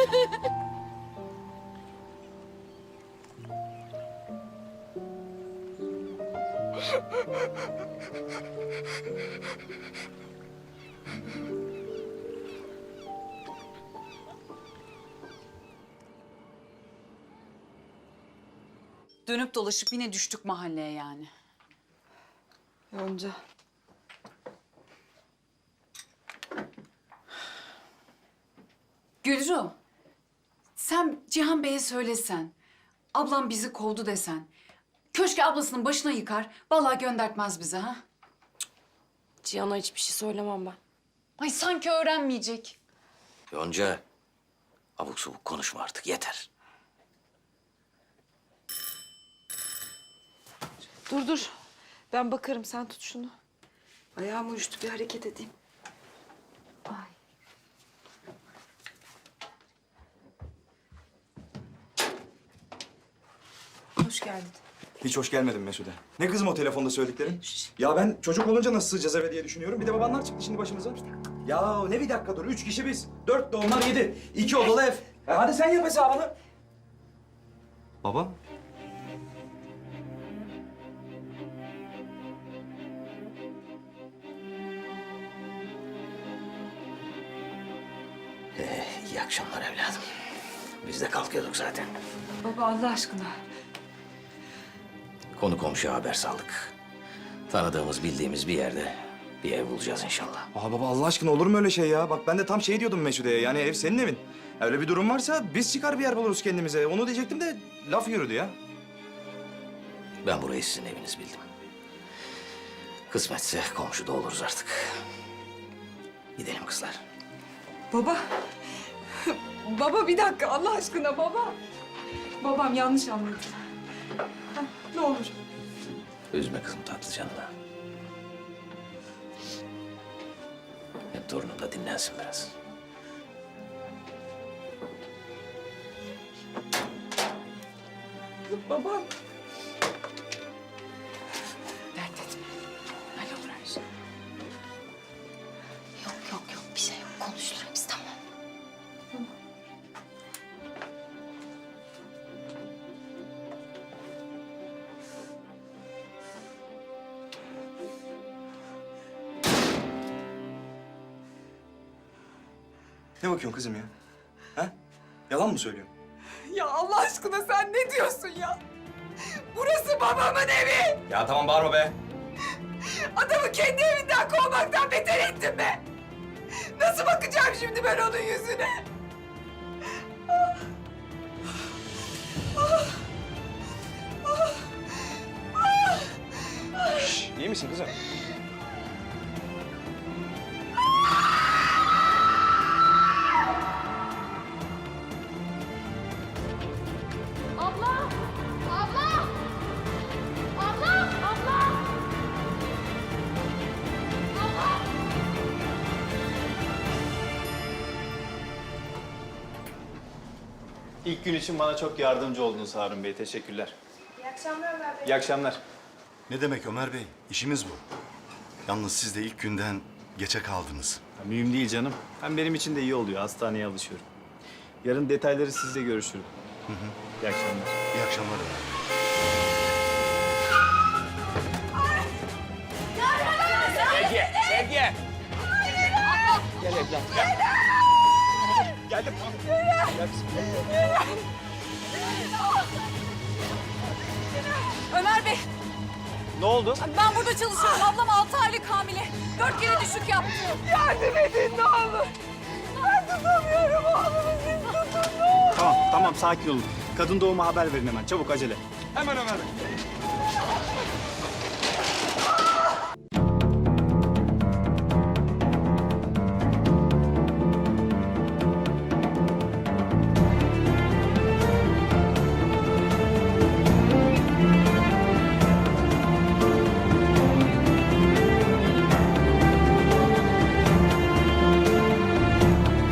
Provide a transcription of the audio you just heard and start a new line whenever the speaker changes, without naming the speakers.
Dönüp dolaşıp yine düştük mahalleye yani.
Yonca.
Gülru, sen Cihan Bey'e söylesen, ablam bizi kovdu desen, köşke ablasının başına yıkar, vallahi göndertmez bize ha.
Cihan'a hiçbir şey söylemem ben.
Ay sanki öğrenmeyecek.
Yonca, abuk subuk konuşma artık, yeter.
Dur. Ben bakarım, sen tut şunu. Ayağım uyuştu, bir hareket edeyim. Ay. Hoş geldin.
Hiç hoş gelmedin Mesude. Ne kızım o telefonda söylediklerin? Ya ben çocuk olunca nasıl sığacağız eve diye düşünüyorum. Bir de babanlar çıktı şimdi başımıza. Ya ne bir dakika dur. 3 kişi biz. 4 de onlar 7. 2 odalı ev. Hadi sen yap hesabını. Baba.
İyi akşamlar evladım. Biz de kalkıyorduk zaten.
Baba Allah aşkına.
Konu komşuya haber saldık. Tanıdığımız, bildiğimiz bir yerde bir ev bulacağız inşallah.
Aa baba Allah aşkına olur mu öyle şey ya? Bak ben de tam şey diyordum Mesude'ye. Yani ev senin evin. Öyle bir durum varsa biz çıkar bir yer buluruz kendimize. Onu diyecektim de laf yürüdü ya.
Ben burayı sizin eviniz bildim. Kısmetse komşuda oluruz artık. Gidelim kızlar.
Baba. Baba bir dakika Allah aşkına baba. Babam yanlış anladı. Heh, ne olur.
Üzme kızım tatlı canına. Hem torunum da dinlensin biraz.
Babam.
Dert etme. Hallolur her şey.
Yok bir şey yok. Konuşulur hepsi tamam.
Ne bakıyorsun kızım ya? Ha? Yalan mı söylüyorsun?
Ya Allah aşkına sen ne diyorsun ya? Burası babamın evi.
Ya tamam bağırma be.
Adamı kendi evinden kovmaktan beter ettin be. Nasıl bakacağım şimdi ben onun yüzüne?
Şş, iyi misin kızım?
Abla! Abla! Abla! Abla! Abla!
İlk gün için bana çok yardımcı oldunuz Harun Bey. Teşekkürler. İyi akşamlar Ömer Bey. İyi akşamlar.
Ne demek Ömer Bey? İşimiz bu. Yalnız siz de ilk günden geçe kaldınız.
Ya, mühim değil canım. Hem benim için de iyi oluyor. Hastaneye alışıyorum. Yarın detayları sizle görüşürüm. İyi akşamlar.
İyi akşamlar Ömer Bey.
Ömer Bey,
Ne oldu?
ben burada çalışıyorum. Ablam 6 aylık hamile. 4 kere düşük yaptı.
Yardım edin ne olur. Ben tutamıyorum oğlumu siz tutun ne olur.
Tamam, sakin olun. Kadın doğuma haber verin hemen. Çabuk, acele.
Hemen Ömer Bey.